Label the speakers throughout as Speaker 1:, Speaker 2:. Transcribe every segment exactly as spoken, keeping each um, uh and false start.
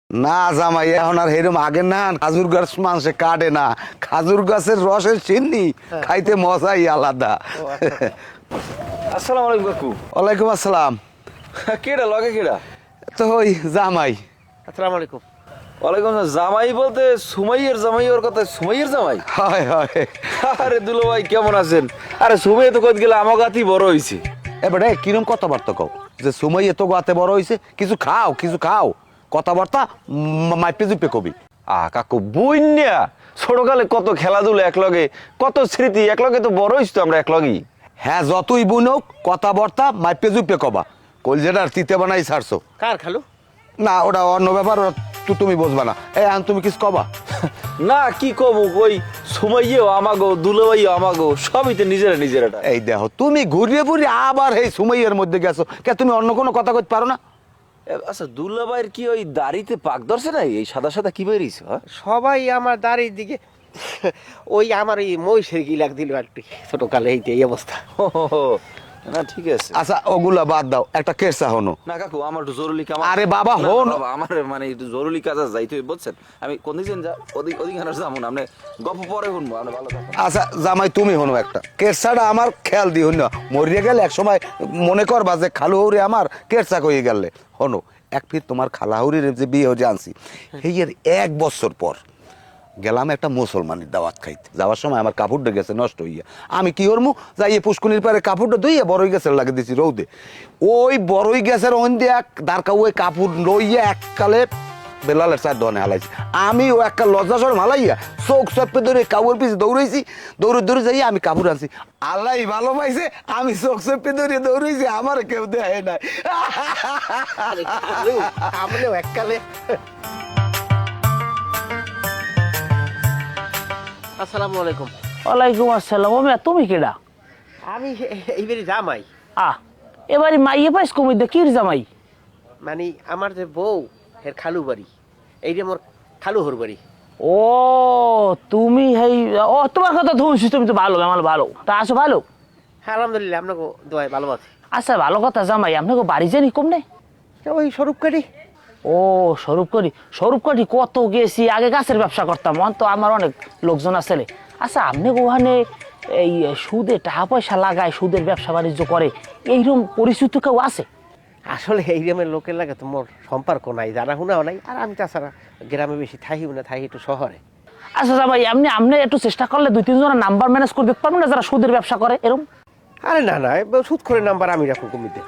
Speaker 1: না জামাই এখন আর এরকম আগে না, খাজুর গাছ মানুষে কাটে না, খাজুর গাছের রসের চিনি খাইতে মজাই আলাদা।
Speaker 2: আসসালামু আলাইকুম কাকু।
Speaker 1: ওয়ালাইকুম আসসালাম।
Speaker 2: কেডা লগে কেডা?
Speaker 1: তো ওই জামাই।
Speaker 3: আসসালামু আলাইকুম।
Speaker 2: ওয়ালাইকুম আসসালাম। জামাই বলতে সুমাইয়ের জামাই, ওর কথা সুমাইয়ের জামাই?
Speaker 1: হয় হয়।
Speaker 2: আরে দুলো ভাই কেমন আছেন? আরে সুমাই তো কত গেলে আমার গাতি বড় হইছে।
Speaker 1: এবারে কিরম কথাবার্তা কও যে সময় এত গাতে বড় হয়েছে, কিছু খাও কিছু খাও, কথাবার্তা মাইপে জুপে কবি।
Speaker 2: আ কাকু বইন্যা ছোটকালে কত খেলাধুলা একলগে, কত স্মৃতি একলগে, তো বড় হইছ তো আমরা একলগেই।
Speaker 1: হ্যাঁ যতই বুনক কথাবার্তা মাইপে জুপে কবা। কলজেটার তিতে বানাই ছাড়ছো।
Speaker 3: কার খালু?
Speaker 1: না ওটা অন্য ব্যাপার, ওটা তু- তুমি বুঝবা না। এই আন তুমি কিছু কবা।
Speaker 2: না কি কব, কই সুমাইয়েও আমাগো, দুলো ভাইও আমাগো, সবই তো নিজেরা নিজেরা।
Speaker 1: এই দেখো তুমি ঘুরিয়ে ঘুরিয়ে আবার এই সময়ের মধ্যে গেছো, কে তুমি অন্য কোনো কথা কইতে পারো না?
Speaker 2: আচ্ছা দুলো ভাইয়ের কি ওই দাড়িতে পাক ধরছে না? এই সাদা সাদা কি বেরিয়েছ? হ্যাঁ
Speaker 3: সবাই আমার দাড়ির দিকে ওই আমার এই মহিষের গিলাক দিল একটু ছোটকালে, এইতে এই অবস্থা।
Speaker 2: না ঠিক আছে।
Speaker 1: আচ্ছা ওগুলা বাদ দাও, একটা কেসা হনো।
Speaker 2: না কাকু আমার একটু জরুরি কাম।
Speaker 1: আরে বাবা,
Speaker 2: না,
Speaker 1: হন।
Speaker 2: বাবা, আমার মানে একটু জরুরি কাজ আছে, যাইতে বলছেন। আমি কোন দিন যা ওদিক ওদিকখানে যাবো না, আপনি গল্প পরে শুনবো, আপনি ভালো থাকুন।
Speaker 1: আচ্ছা জামাই তুমি হনো একটা কেরসাটা আমার খেয়াল দি হইন, মরিয়ে গেলে এক সময় মনে করবা যে খালু হৌরি আমার কেরসা কইয়ে গেলে হনো। এক ফির তোমার খালাহুরির যে বিয়ে যে আনছি, এই এর এক বছর পর গেলাম একটা মুসলমানের দাওয়াত খাইতে। যাওয়ার সময় আমার কাপড়টা গেছে নষ্ট হইয়া, আমি কি করবো যাই পুষ্কুনির পারে কাপড়টা ধুইয়া বড়ই গাছের লাগে দিছি রৌদে। ওই বড়ই গাছের ওন দিয়ে এক দাঁড়কা ওই কাপড় লইয়া এককালে বেলালের চার দোকানে হালাইছি। আমি ও একটা লজ্জা সরম হালাইয়া চোখ চপে ধরে কাপড় পিছিয়ে দৌড়াইছি, দৌড়ে দৌড়ে যাই আমি কাপড় আনছি। আল্লাহ ভালো পাইছে, আমি চোখ চপে ধরে দৌড়াইছি, আমার কেউ দেয় নাই।
Speaker 3: আমলেও এককালে। আসসালামু আলাইকুম।
Speaker 4: ওয়ালাইকুম আসসালাম। ওমে তুমি কেডা?
Speaker 3: আমি এইবারই জামাই,
Speaker 4: আহ এবারে মাইয়ে পাইস কমি দে কির জামাই?
Speaker 3: মানে আমার যে বউ এর খালু বাড়ি, এইটা মোর খালু হর বাড়ি।
Speaker 4: ও তুমি হেই, ও তোমার কথা শুনছি, তুমি তো ভালো, আমার ভালো। তা আসো ভালো?
Speaker 3: হ্যাঁ আলহামদুলিল্লাহ, আপনাকে দোয়ায় ভালো আছে।
Speaker 4: আচ্ছা ভালো কথা জামাই, আপনাকে বাড়ি জানি কম নেই?
Speaker 3: ওই স্বরূপ কাটি।
Speaker 4: ও স্বরূপ করি, স্বরূপ করি কত গেছি, আগে গাছের ব্যবসা করতাম, অন তো আমার অনেক লোকজন আছে। আচ্ছা আপনি ওখানে এই সুদে টাকা পয়সা লাগায়, সুদের ব্যবসা বাণিজ্য করে, এইরকম পরিচিত কেউ আছে?
Speaker 3: আসলে এই গ্রামের লোকের লাগে তো মোর সম্পর্ক নাই, জানা শোনাও নাই। আর আমি তাছাড়া গ্রামে বেশি থাইও না, থাই একটু শহরে।
Speaker 4: আচ্ছা জামাই আপনি আপনি একটু চেষ্টা করলে দুই তিনজনের নাম্বার ম্যানেজ করে দিতে পারবেন না, যারা সুদের ব্যবসা করে এরকম?
Speaker 3: আরে না না, সুদ করে নাম্বার আমি রাখুন কমিতে,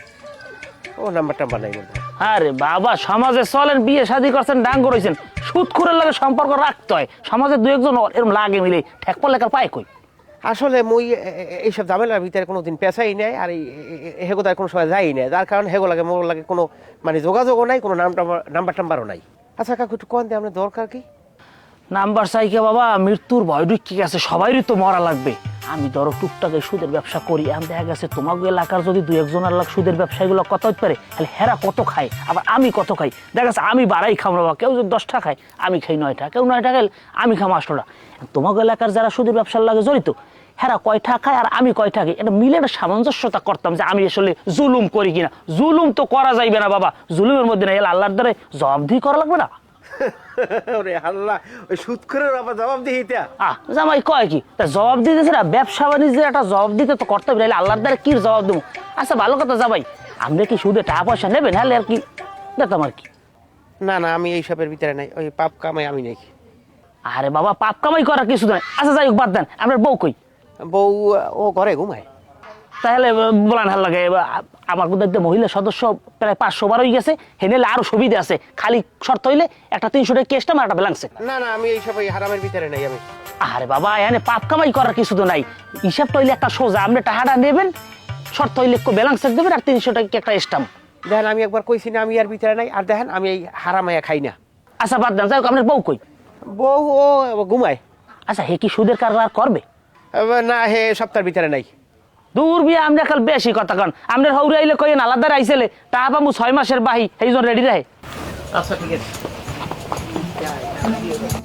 Speaker 3: ও নাম্বার টাম্বার নাই বলতে।
Speaker 4: আরে বাবা সমাজে চলেন, বিয়ে শাদী করছেন, ডাঙ্গ রয়েছেন, সুদ খুরের লাগে সম্পর্ক রাখতে হয়। সমাজে দু একজন এরকম লাগে মিলে ঠেক পড়লে কার পায় কই?
Speaker 3: আসলে মই এ- এ- এইসব ঝামেলার ভিতরে কোনোদিন পেশাই নেই, আর এই হেগো তার কোনো সময় যাই নাই, যার কারণে হেগো লাগে মোর লাগে কোনো মানে যোগাযোগও নাই, কোনো নাম টাম্বার নাম্বার টাম্বারও নাই। আচ্ছা কাকু একটু কোন দিয়ে আপনার দরকার কি?
Speaker 4: নাম্বার চাইকে বাবা, মৃত্যুর ভয় ঢুকি গেছে, সবাইরই তো মরা লাগবে। আমি ধরো টুকটাকে সুদের ব্যবসা করি, এখন দেখা গেছে তোমাকে এলাকার যদি দু একজনের লাখ সুদের ব্যবসায়ীগুলো কত হতে পারে, তাহলে হেরা কত খায়, আবার আমি কত খাই। দেখা গেছে আমি বাড়াই খাম বাবা, কেউ যদি দশটা খায় আমি খাই নয়টা, কেউ নয়টা খাই আমি খাম আটটা। তোমাকে এলাকার যারা সুদের ব্যবসার লাগে জড়িত, হেরা কয়টা খায় আর আমি কয়টা খাই, এটা মিলে একটা সামঞ্জস্যতা করতাম যে আমি আসলে জুলুম করি কিনা। জুলুম তো করা যাইবে না বাবা, জুলুমের মধ্যে না, এলা আল্লাহর দ্বারা জবাবদিহি করা লাগবে না।
Speaker 3: ওরে আল্লাহ, ওই সুদ করে আবার জবাব দিয়ে এটা?
Speaker 4: আহ জামাই কয় কি, তা জবাব দিতেছে না, ব্যবসা বাণিজ্যের একটা জবাব দিতে তো করতে হবে, নাহলে আল্লাহর দ্বারা কি জবাব দেবো? আচ্ছা ভালো কথা জামাই, আপনি কি সুদে টাকা পয়সা নেবেন? হ্যাঁ আর কি দেখতাম আর কি।
Speaker 3: না না, আমি এইসবের ভিতরে নাই, ওই পাপ কামাই আমি নেই।
Speaker 4: আরে বাবা পাপ কামাই করার কিছু নাই। আচ্ছা যাই হোক বাদ দেন, আপনার বউ কই?
Speaker 3: বউ ও ঘরে ঘুমায়।
Speaker 4: তাহলে বলান হাল লাগে, আমার দেখতে মহিলা সদস্য প্রায় পাঁচশো বার হয়ে গেছে, হেনেলে আরো সুবিধা আছে, খালি শর্ত হইলে একটা তিনশো টাকা কেসটা আমার একটা ব্যালান্সে।
Speaker 3: না না, আমি এইসব ওই হারামের ভিতরে নাই আমি।
Speaker 4: আরে বাবা এখানে পাপ কামাই করার কিছু তো নাই, হিসাবটা হইলে একটা সোজা, আপনি টাকাটা নেবেন, শর্ত হইলে ব্যালান্স দেবেন, আর তিনশো টাকা একটা স্টাম্প।
Speaker 3: দেখেন আমি একবার কইছি না আমি আর ভিতরে নাই, আর দেখেন আমি এই হারামাইয়া খাই না।
Speaker 4: আচ্ছা বাদ দেন, যাই হোক আপনার বউ কই?
Speaker 3: বউ ও ঘুমায়।
Speaker 4: আচ্ছা হে কি সুদের কারবার করবে?
Speaker 3: না, হে সপ্তাহের ভিতরে নাই।
Speaker 4: দূর বিয়া আমরা কাল বেশি কথা কন, আপনার হৌরে আইলে কইেন আলাদা আইসেলে টাকা পাবো ছয় মাসের বাহি, এই জন রেডি রাহে।
Speaker 3: আচ্ছা ঠিক আছে।